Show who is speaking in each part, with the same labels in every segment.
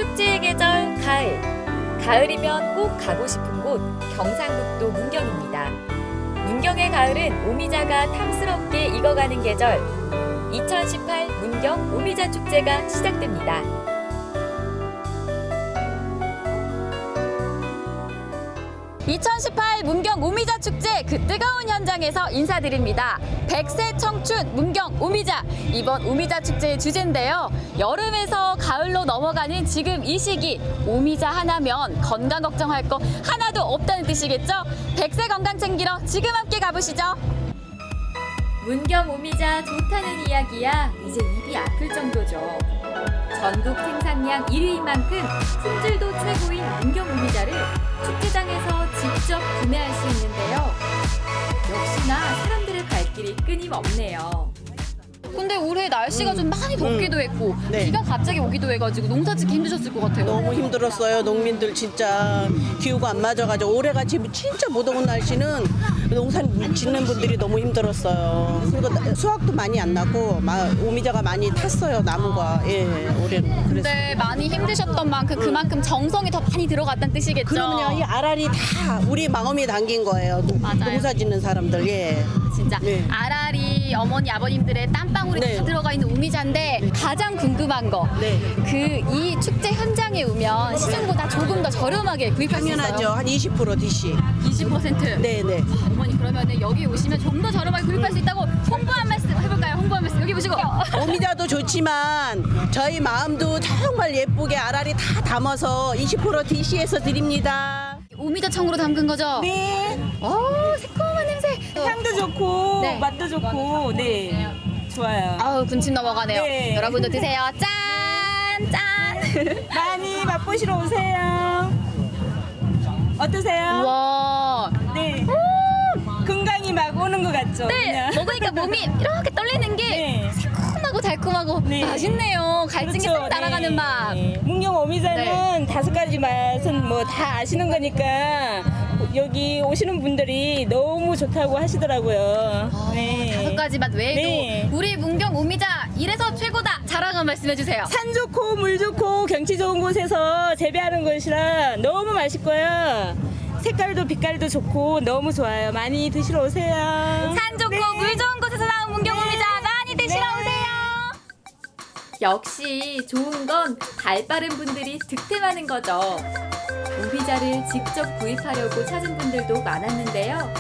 Speaker 1: 축제의 계절 가을. 가을이면 꼭 가고 싶은 곳 경상북도 문경입니다. 문경의 가을은 오미자가 탐스럽게 익어가는 계절. 2018 문경 오미자 축제가 시작됩니다. (2018) 문경 오미자 축제 그 뜨거운 현장에서 인사드립니다. 100세 청춘 문경 오미자. 이번 오미자 축제의 주제인데요. 여름에서 가을로 넘어가는 지금 이 시기 오미자 하나면 건강 걱정할 거 하나도 없다는 뜻이겠죠? 100세 건강 챙기러 지금 함께 가보시죠. 문경 오미자 좋다는 이야기야 이제 입이 아플 정도죠. 전국 생산량 1위인 만큼 품질도 최고인 문경 오미자를 축제장에서 직접 구매할 수 있는데요. 역시나 사람들의 발길이 끊임없네요. 근데 올해 날씨가 좀 많이 덥기도 했고
Speaker 2: 네.
Speaker 1: 비가 갑자기 오기도 해가지고 농사 짓기 힘드셨을 것 같아요.
Speaker 2: 너무 힘들었어요. 농민들 진짜 기후가 안 맞아가지고 올해같이 진짜 못 더운 날씨는 농사 짓는 분들이 너무 힘들었어요. 그리고 수확도 많이 안 나고 오미자가 많이 탔어요. 나무가. 예, 올해는. 그래서.
Speaker 1: 근데 많이 힘드셨던 만큼 그만큼 정성이 더 많이 들어갔다는 뜻이겠죠?
Speaker 2: 그러면요, 이 알알이 다 우리 마음이 담긴 거예요.
Speaker 1: 맞아요.
Speaker 2: 농사 짓는 사람들. 예.
Speaker 1: 진짜
Speaker 2: 네.
Speaker 1: 알알이 어머니 아버님들의 땀방울이
Speaker 2: 네.
Speaker 1: 다 들어가 있는 오미자인데 가장 궁금한 거
Speaker 2: 네.
Speaker 1: 이 축제 현장에 오면 시중보다 조금 더 저렴하게 구입할 수 있어요?
Speaker 2: 당연하죠. 한 20% DC.
Speaker 1: 20%?
Speaker 2: 네네.
Speaker 1: 어머니 그러면 여기 오시면 좀 더 저렴하게 구입할 수 있다고 홍보 한 말씀 해볼까요? 홍보 한 말씀 여기 보시고.
Speaker 2: 오미자도 좋지만 저희 마음도 정말 예쁘게 알알이 다 담아서 20% DC에서 드립니다.
Speaker 1: 오미자 청으로 담근 거죠?
Speaker 3: 네,
Speaker 1: 새콤한 냄새.
Speaker 3: 향도 좋고
Speaker 1: 네.
Speaker 3: 맛도 좋고 네 좋아요.
Speaker 1: 아우 군침 넘어가네요.
Speaker 3: 네.
Speaker 1: 여러분도 드세요. 짠! 짠!
Speaker 3: 많이 맛보시러 오세요. 어떠세요?
Speaker 1: 와.
Speaker 3: 네. 건강이 막 오는 것 같죠?
Speaker 1: 네,
Speaker 3: 그냥?
Speaker 1: 먹으니까 몸이 이렇게 떨리는 게
Speaker 3: 네.
Speaker 1: 새콤하고 달콤하고
Speaker 3: 네.
Speaker 1: 맛있네요. 갈증이
Speaker 3: 그렇죠.
Speaker 1: 싹 날아가는
Speaker 3: 네.
Speaker 1: 맛.
Speaker 3: 문경 오미자는
Speaker 1: 네.
Speaker 3: 5가지 맛은 뭐 다 아시는 거니까 여기 오시는 분들이 너무 좋다고 하시더라고요. 네.
Speaker 1: 5가지 맛 외에도
Speaker 3: 네.
Speaker 1: 우리 문경 오미자 이래서 최고다 자랑 한 말씀해 주세요.
Speaker 3: 산 좋고 물 좋고 경치 좋은 곳에서 재배하는 것이라 너무 맛있고요. 색깔도 빛깔도 좋고 너무 좋아요. 많이 드시러 오세요.
Speaker 1: 산 좋고
Speaker 3: 네.
Speaker 1: 물 좋은 곳에서 나온 문경
Speaker 3: 네.
Speaker 1: 오미자 많이 드시러
Speaker 3: 네.
Speaker 1: 오세요. 역시 좋은 건 발 빠른 분들이 득템하는 거죠. 오미자를 직접 구입하려고 찾은 분들도 많았는데요.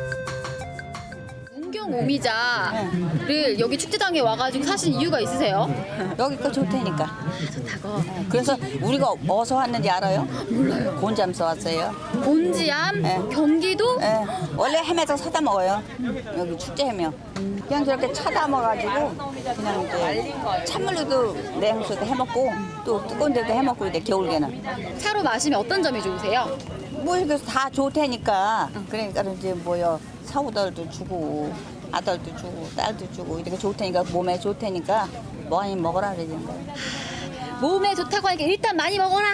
Speaker 1: 문경 오미자를 여기 축제장에 와가지고 사신 이유가 있으세요?
Speaker 4: 여기 거 좋다니까.
Speaker 1: 좋다고.
Speaker 4: 그래서 우리가 어디서 왔는지 알아요? 몰라요. 곤잠서 왔어요.
Speaker 1: 곤지암,
Speaker 4: 네.
Speaker 1: 경기도.
Speaker 4: 예, 원래 햄에서 사다 먹어요. 여기 축제 햄이요. 그냥 저렇게 차다 먹어가지고 그냥 이제 찬물로도 냉수도 해먹고 또 뜨거운 데도 해먹고 이제 겨울에는
Speaker 1: 차로 마시면 어떤 점이 좋으세요?
Speaker 4: 뭐 이렇게 다 좋다니까. 그러니까 이제 뭐요 사우들도 주고 아들도 주고 딸도 주고 이렇게 좋다니까 몸에 좋다니까 많이 먹어라 그러는 거예요.
Speaker 1: 몸에 좋다고 하니까 일단 많이 먹어라.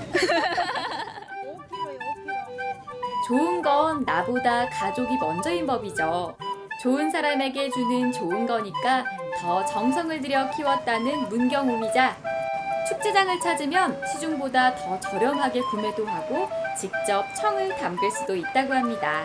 Speaker 1: 좋은 건 나보다 가족이 먼저인 법이죠. 좋은 사람에게 주는 좋은 거니까 더 정성을 들여 키웠다는 문경 오미자. 축제장을 찾으면 시중보다 더 저렴하게 구매도 하고 직접 청을 담글 수도 있다고 합니다.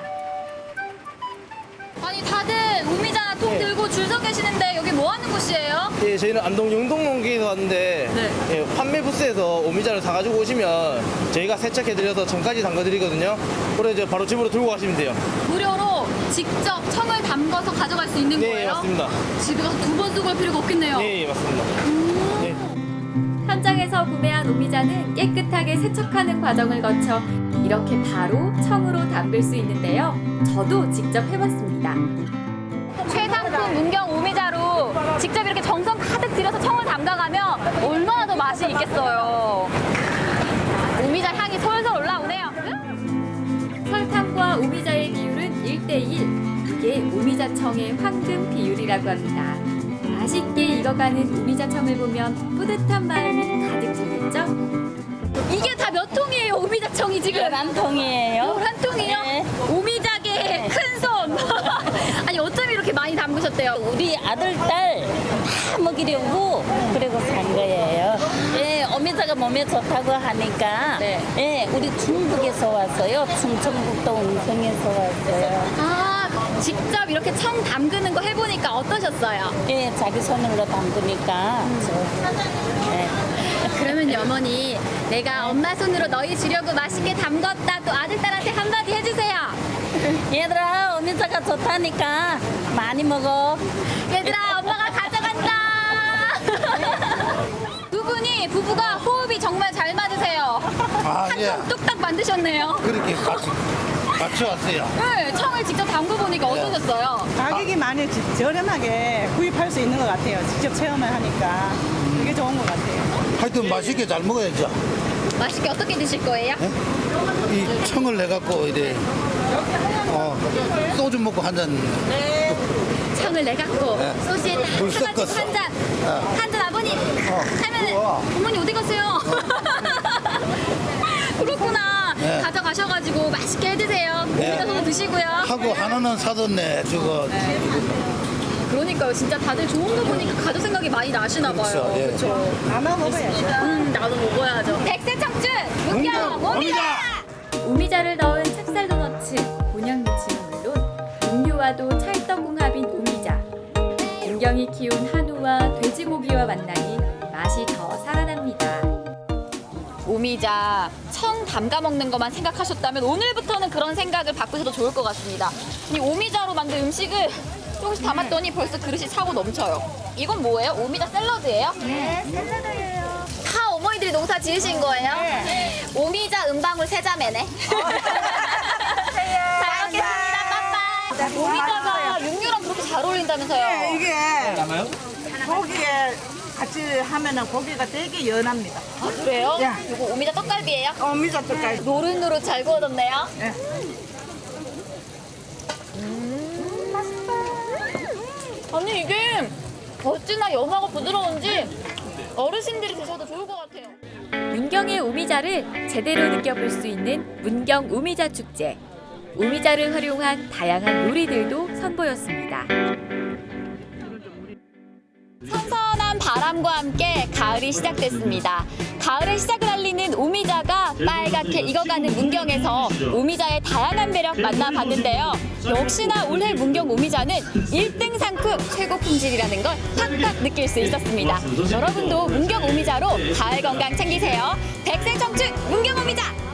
Speaker 1: 아니 다들 오미자 통 들고 줄 서 계시는데 여기 뭐 하는 곳이에요?
Speaker 5: 예, 저희는 안동 영동농기에서 왔는데 예, 판매 부스에서 오미자를 사가지고 오시면 저희가 세척해드려서 청까지 담가드리거든요. 그래서 이제 바로 집으로 들고 가시면 돼요.
Speaker 1: 무료로 직접 청을 담궈서 가져갈 수 있는
Speaker 5: 네,
Speaker 1: 거예요?
Speaker 5: 맞습니다.
Speaker 1: 집에 가서 두 번 쓰고 할 필요가 없겠네요.
Speaker 5: 네, 맞습니다. 네.
Speaker 1: 현장에서 구매한 오미자는 깨끗하게 세척하는 과정을 거쳐 이렇게 바로 청으로 담글 수 있는데요. 저도 직접 해봤습니다. 최상품 문경 오미자로 직접 이렇게 정성 가득 들여서 청을 담가가면 얼마나 더 맛이 있겠어요. 오미자 향이 솔솔 올라오네요. 설탕과 오미자의 비율은 1:1. 이게 오미자청의 황금 비율이라고 합니다. 맛있게 익어가는 오미자청을 보면 뿌듯한 마음이 가득 들겠죠? 이게 다 몇 통이에요, 오미자청이 지금?
Speaker 3: 11통이에요.
Speaker 1: 11통이요?
Speaker 3: 네.
Speaker 1: 오미자계 큰 손! 아니, 어쩜 이렇게 많이 담그셨대요?
Speaker 3: 우리 아들, 딸 다 먹이려고 그리고 산 거예요. 예, 어미자가
Speaker 6: 오미자가 몸에 좋다고 하니까
Speaker 1: 네.
Speaker 6: 예, 우리 중국에서 왔어요. 충청북도 음성에서 왔어요.
Speaker 1: 아, 직접 이렇게 청 담그는 거 해보니까 어떠셨어요?
Speaker 6: 예, 자기 손으로 담그니까 예.
Speaker 1: 그러면 어머니, 내가 엄마 손으로 너희 주려고 맛있게 담궜다 또 아들딸한테 한마디 해주세요.
Speaker 6: 얘들아 오미자가 좋다니까 많이 먹어.
Speaker 1: 얘들아, 엄마가 가져간다. 두 분이 부부가 호흡이 정말 잘 맞으세요.
Speaker 7: 아, 예.
Speaker 1: 한통 뚝딱 만드셨네요.
Speaker 7: 그렇게 같이 왔어요.
Speaker 1: 네, 청을 직접 담그보니까 어떠셨어요?
Speaker 8: 가격이 많이 저렴하게 구입할 수 있는 것 같아요. 직접 체험을 하니까 그게 좋은 것 같아요.
Speaker 7: 하여튼 맛있게 잘 먹어야죠.
Speaker 1: 맛있게 어떻게 드실 거예요?
Speaker 7: 이 청을 내갖고 이래 소주 먹고 한 잔.
Speaker 1: 청을 내갖고
Speaker 7: 네.
Speaker 1: 소시에
Speaker 7: 물
Speaker 1: 딱 해가지고
Speaker 7: 섞었어.
Speaker 1: 한 잔. 한 잔 아버님 하면은
Speaker 7: 우와.
Speaker 1: 어머니 어디 가세요? 그렇구나.
Speaker 7: 네.
Speaker 1: 가져가셔가지고 맛있게 해드세요.
Speaker 7: 네.
Speaker 1: 오미자소도 드시고요.
Speaker 7: 하고 하나는 사뒀네. 저거
Speaker 1: 그러니까요. 진짜 다들 좋은 거 보니까 가족 생각이 많이 나시나 봐요.
Speaker 7: 그렇죠. 예.
Speaker 1: 그렇죠.
Speaker 8: 나눠 먹어야죠.
Speaker 1: 나도 먹어야죠. 백세 청춘 문경 오미자.
Speaker 9: 오미자를 넣은 찹쌀 도너츠, 곤약 무침은 물론 음료와도 찰떡궁합인 오미자. 문경이 키운 한우와 돼지고기와 만나니 맛이 더 살아납니다.
Speaker 1: 오미자 청 담가 먹는 것만 생각하셨다면 오늘부터는 그런 생각을 바꾸셔도 좋을 것 같습니다. 이 오미자로 만든 음식을 조금씩 담았더니 벌써 그릇이 차고 넘쳐요. 이건 뭐예요? 오미자 샐러드예요? 네, 샐러드예요. 다 어머니들이 농사 지으신 거예요? 네. 오미자 은방울 세자매네. 잘 먹겠습니다. 빠빠. 오미자가 육류랑 그렇게 잘 어울린다면서요?
Speaker 8: 이게 고기에 같이 하면은 고기가 되게 연합니다.
Speaker 1: 아, 그래요?
Speaker 8: 예.
Speaker 1: 이거 오미자 떡갈비예요?
Speaker 8: 미자 떡갈비.
Speaker 1: 노릇노릇 잘 구워졌네요.
Speaker 8: 네.
Speaker 1: 아니 이게 어찌나 연하고 부드러운지 어르신들이 드셔도 좋을 것 같아요.
Speaker 9: 문경의 오미자를 제대로 느껴볼 수 있는 문경 오미자 축제. 오미자를 활용한 다양한 요리들도 선보였습니다.
Speaker 1: 선선한 바람과 함께 가을이 시작됐습니다. 가을의 시작을 알리는 오미자가 빨갛게 익어가는 문경에서 오미자의 다양한 매력 만나봤는데요. 역시나 올해 문경 오미자는 1등 상품 최고 품질이라는 걸 팍팍 느낄 수 있었습니다. 여러분도 문경 오미자로 가을 건강 챙기세요. 백세 청춘 문경 오미자!